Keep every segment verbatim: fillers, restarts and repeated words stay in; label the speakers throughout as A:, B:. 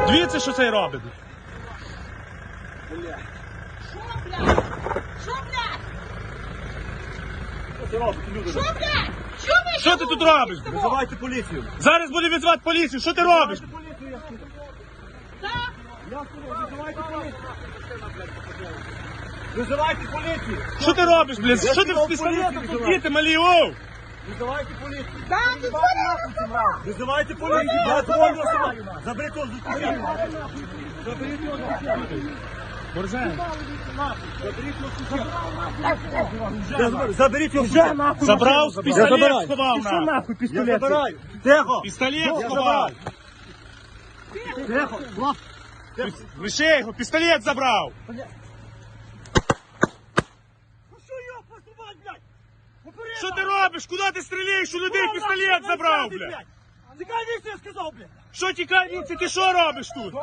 A: Дивіться, що цей робить.
B: Бля. Що, блядь? Що, блядь?
C: Що ти робиш, люди?
B: Що, блядь? Що ви?
A: Що ти тут робиш?
C: Визивайте поліцію.
A: Зараз буде визивати поліцію. Що ти робиш?
C: Визивайте поліцію, я сказав.
B: Так?
C: Я сказав, визивайте поліцію. Визивайте поліцію.
A: Що ти робиш, блядь? Що ти з
C: сказав,
A: пістолетом
C: поліцію
A: тут діти малі, оу?
C: Визивайте поліцію.
B: Так, ти звонила?
C: Визивайте поліцію. Я дзвоню особа. Заберіть його з дитини. Заберіть його з дитини.
A: Борзен.
C: Заберіть його з дитини. Заберіть його вже нахуй.
A: Забрав,
C: Я
A: пістолет
C: забираю.
A: сховав
C: Ти що
A: на.
C: нахуй пістолет? Я забираю. Тихо.
A: Пістолет
C: Я
A: сховав.
C: забираю. Тихо. Влад.
A: Лише його, пістолет забрав.
C: Ну що його поступать, блядь? Попереду.
A: Що ти робиш? Куди ти стріляєш? У людей пістолет забрав, блядь.
C: Тікай віці, я сказав, блядь.
A: Що тікай, віці, ти що робиш тут?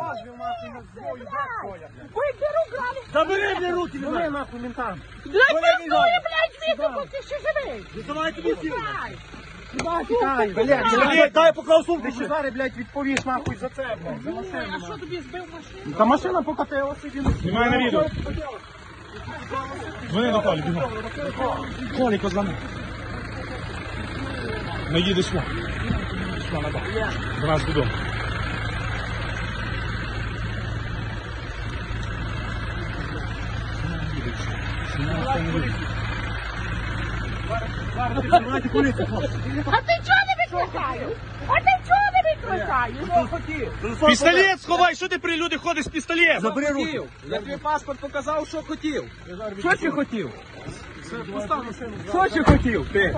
B: Ви беру грали.
C: Забери мені руки, блядь. нахуй ментам.
B: Блядь,
C: Коли він
B: пиздує,
C: робить?
B: блядь, звідти, бо ти ще живий.
C: Визивайте поліцію.
B: Блядь.
C: Тікай, блядь.
A: Пістолет.
C: Дай поклав сумку.
D: Ти ще зараз, блядь, відповіш нахуй за це, блядь. За машину.
B: А що тобі збив машину?
D: Та машина покатилася, він...
A: Знімай на відео. Дзвони до Колі, бігом. Колі, позвони. Не їдеш сюди. Сюди, на бак. До нас додому.
C: Визивайте поліцію, хлопці.
B: А ти чого не викликаєш? А ти чого не викликаєш?
A: Пістолет сховай, що ти при люди ходиш з пістолетом?
C: Забери руки.
D: Я тобі паспорт показав, що хотів. Що ти хотів? Що ти хотів, ти?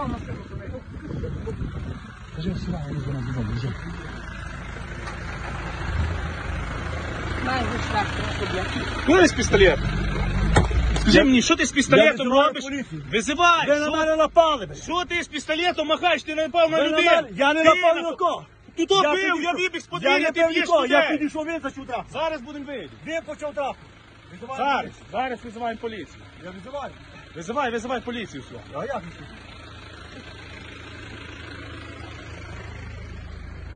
B: Най, ви шлях, блядь.
A: Куди з пістолет? Скажи мені, що ти з пістолетом
C: визиваю
A: робиш?
C: поліцію.
A: Визивай!
C: Ви на
A: Що-
C: мене напали, блядь.
A: Що ти з пістолетом махаєш? Ти не напав на
C: Ви на
A: людей!
C: мене- Я не
A: Ти
C: напав ні
A: напав.
C: на кого.
A: Ти то бив,
C: підійшов.
A: я вибіг з
C: Я
A: подвір'я,
C: не
A: ти
C: бив
A: б'єш
C: нікого, я
A: людей!
C: підійшов, він зачув трапу.
A: Зараз будемо вийти.
C: Він почав трапу. Визивай
A: Зараз,
C: поліцію.
A: зараз визиваємо поліцію.
C: Я визиваю.
A: Визивай, визивай поліцію сюди.
C: А як?